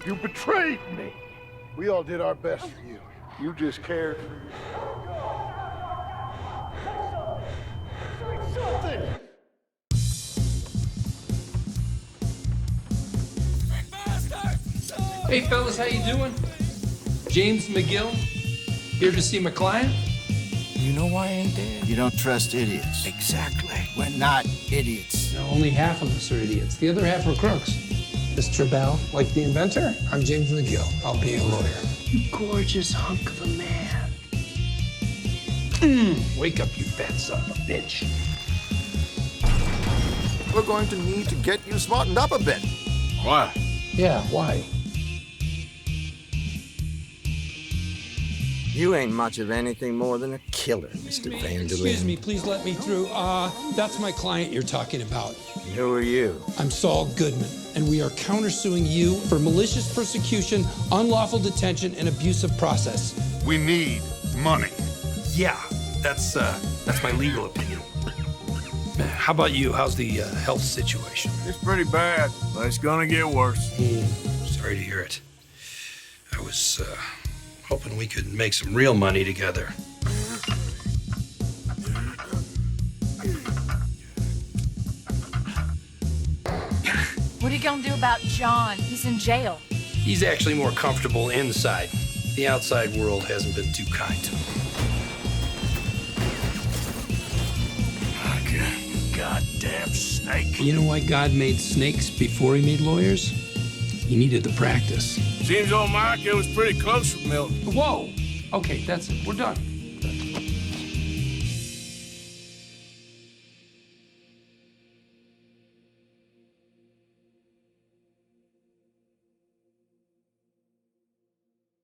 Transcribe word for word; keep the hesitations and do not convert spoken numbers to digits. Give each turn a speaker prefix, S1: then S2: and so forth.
S1: You betrayed me. We all did our best for you. You just cared for you. Something.
S2: Hey fellas, how you doing? James McGill, here to see my client.
S3: You know why I ain't dead?
S4: You don't trust idiots.
S3: Exactly.
S4: We're not idiots.
S2: No, only half of us are idiots. The other half are crooks.
S5: Mister Bell, like the inventor, I'm James McGill. I'll be a lawyer.
S2: You gorgeous hunk of a man. Mm, wake up, you fat son of a bitch.
S4: We're going to need to get you smartened up a bit.
S3: Why?
S5: Yeah, why?
S4: You ain't much of anything more than a killer, Mister Vanderlyn.
S5: Excuse me, please let me through. Uh, that's my client you're talking about.
S4: Who are you?
S5: I'm Saul Goodman, and we are countersuing you for malicious persecution, unlawful detention, and abusive process.
S1: We need money.
S2: Yeah, that's uh, that's my legal opinion. How about you? How's the uh, health situation?
S3: It's pretty bad, but it's gonna get worse.
S2: Mm, sorry to hear it. I was uh, hoping we could make some real money together.
S6: What are you gonna do about John? He's in jail.
S2: He's actually more comfortable inside. The outside world hasn't been too kind to him.
S3: Goddamn snake.
S5: You know why God made snakes before he made lawyers? He needed the practice.
S3: Seems old Mike, it was pretty close with Milton.
S2: Whoa! Okay, that's it. We're done.